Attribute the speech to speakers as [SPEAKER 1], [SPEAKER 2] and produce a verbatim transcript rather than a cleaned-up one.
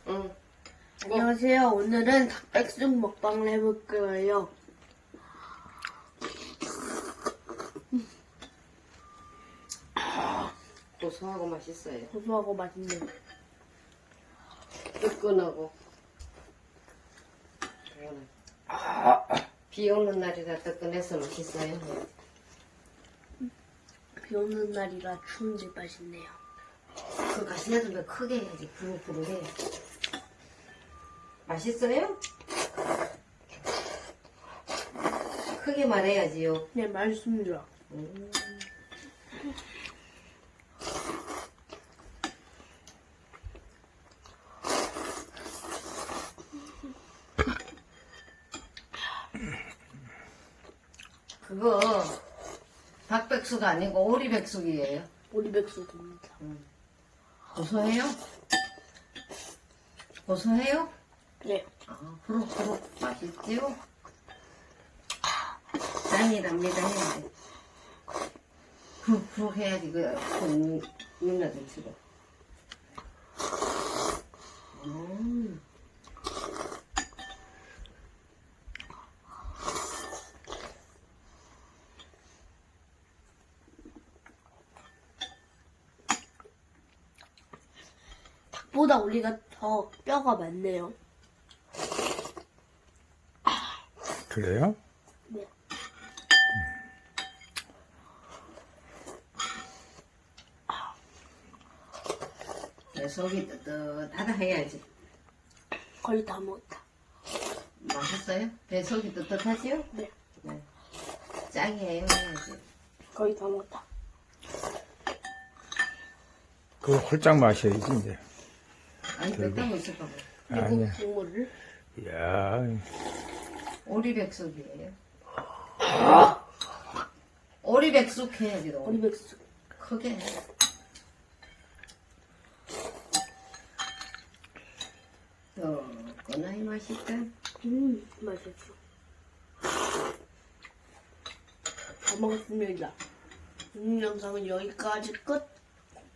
[SPEAKER 1] 응.
[SPEAKER 2] 안녕하세요. 오늘은 닭백숙 먹방을 해볼 거예요.
[SPEAKER 1] 고소하고 맛있어요.
[SPEAKER 2] 고소하고 맛있네요.
[SPEAKER 1] 뜨끈하고. 이거는 비 오는 날이라 뜨끈해서 맛있어요.
[SPEAKER 2] 비 오는 날이라 추운데 맛있네요.
[SPEAKER 1] 그 가시나도 크게 해야지. 부룩부룩해. 맛있어요? 크게 말해야지요.
[SPEAKER 2] 네, 맛있습니다.
[SPEAKER 1] 음. 그거 닭백숙 아니고 오리백숙이에요.
[SPEAKER 2] 오리백숙입니다.
[SPEAKER 1] 음. 고소해요? 고소해요?
[SPEAKER 2] 네.
[SPEAKER 1] 아, 후룩후룩 맛있지요? 짱이랍니다 해야지. 후룩후룩 해야지 그 윤나들 치고. 음.
[SPEAKER 2] 닭보다 오리가 더 뼈가 많네요.
[SPEAKER 3] 그래요?
[SPEAKER 2] 네.
[SPEAKER 1] 내 속이 뜨뜻하다 해야지.
[SPEAKER 2] 거의 다 먹었다.
[SPEAKER 1] 맛있어요? 배 속이 뜨뜻하지요?
[SPEAKER 2] 네.
[SPEAKER 1] 네. 짱이에요 해야지.
[SPEAKER 2] 거의 다 먹었다.
[SPEAKER 3] 그거 홀짝 마셔야지, 이제.
[SPEAKER 1] 아니 뺐다고 있을까 봐.
[SPEAKER 2] 그리고
[SPEAKER 3] 아니야.
[SPEAKER 2] 국물을
[SPEAKER 3] 이야,
[SPEAKER 1] 오리백숙이에요. 오리백숙 해야지 너.
[SPEAKER 2] 오리백숙.
[SPEAKER 1] 크게 해. 뜨끈하니 맛있다.
[SPEAKER 2] 음, 맛있어. 다 먹었습니다. 오늘 영상은 여기까지 끝.